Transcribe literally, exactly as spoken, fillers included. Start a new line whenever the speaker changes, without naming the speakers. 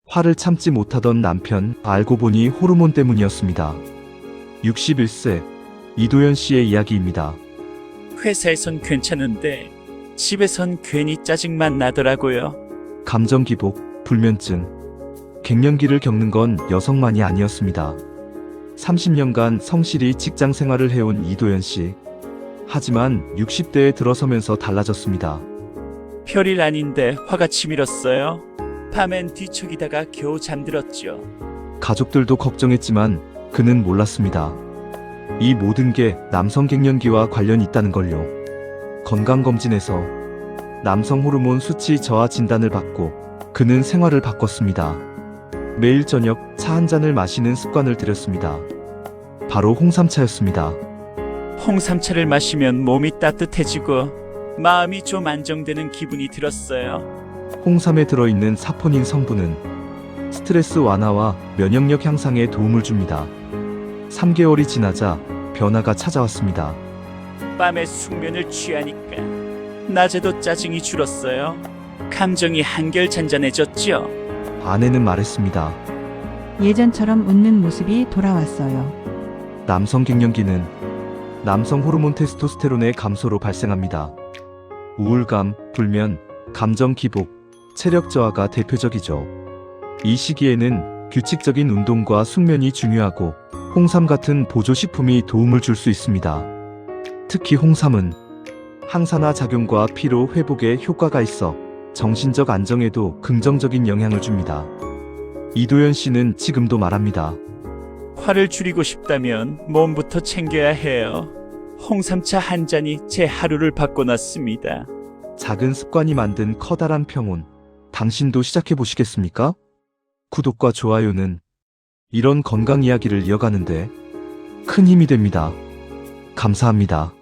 화를 참지 못하던 남편, 알고 보니 호르몬 때문이었습니다. 육십일 세 이도현 씨의 이야기입니다.
회사에선 괜찮은데 집에선 괜히 짜증만 나더라고요.
감정 기복, 불면증, 갱년기를 겪는 건 여성만이 아니었습니다. 삼십 년간 성실히 직장 생활을 해온 이도현 씨. 하지만 육십 대에 들어서면서 달라졌습니다.
별일 아닌데 화가 치밀었어요. 밤엔 뒤척이다가 겨우 잠들었죠.
가족들도 걱정했지만 그는 몰랐습니다. 이 모든 게 남성 갱년기와 관련이 있다는 걸요. 건강검진에서 남성 호르몬 수치 저하 진단을 받고 그는 생활을 바꿨습니다. 매일 저녁 차 한 잔을 마시는 습관을 들였습니다. 바로 홍삼차였습니다.
홍삼차를 마시면 몸이 따뜻해지고 마음이 좀 안정되는 기분이 들었어요.
홍삼에 들어있는 사포닌 성분은 스트레스 완화와 면역력 향상에 도움을 줍니다. 삼 개월이 지나자 변화가 찾아왔습니다.
밤에 숙면을 취하니까 낮에도 짜증이 줄었어요. 감정이 한결 잔잔해졌죠.
아내는 말했습니다.
예전처럼 웃는 모습이 돌아왔어요.
남성 갱년기는 남성 호르몬 테스토스테론의 감소로 발생합니다. 우울감, 불면, 감정 기복, 체력 저하가 대표적이죠. 이 시기에는 규칙적인 운동과 숙면이 중요하고 홍삼 같은 보조식품이 도움을 줄 수 있습니다. 특히 홍삼은 항산화 작용과 피로 회복에 효과가 있어 정신적 안정에도 긍정적인 영향을 줍니다. 이도현 씨는 지금도 말합니다.
화를 줄이고 싶다면 몸부터 챙겨야 해요. 홍삼차 한 잔이 제 하루를 바꿔놨습니다.
작은 습관이 만든 커다란 평온. 당신도 시작해 보시겠습니까? 구독과 좋아요는 이런 건강 이야기를 이어가는데 큰 힘이 됩니다. 감사합니다.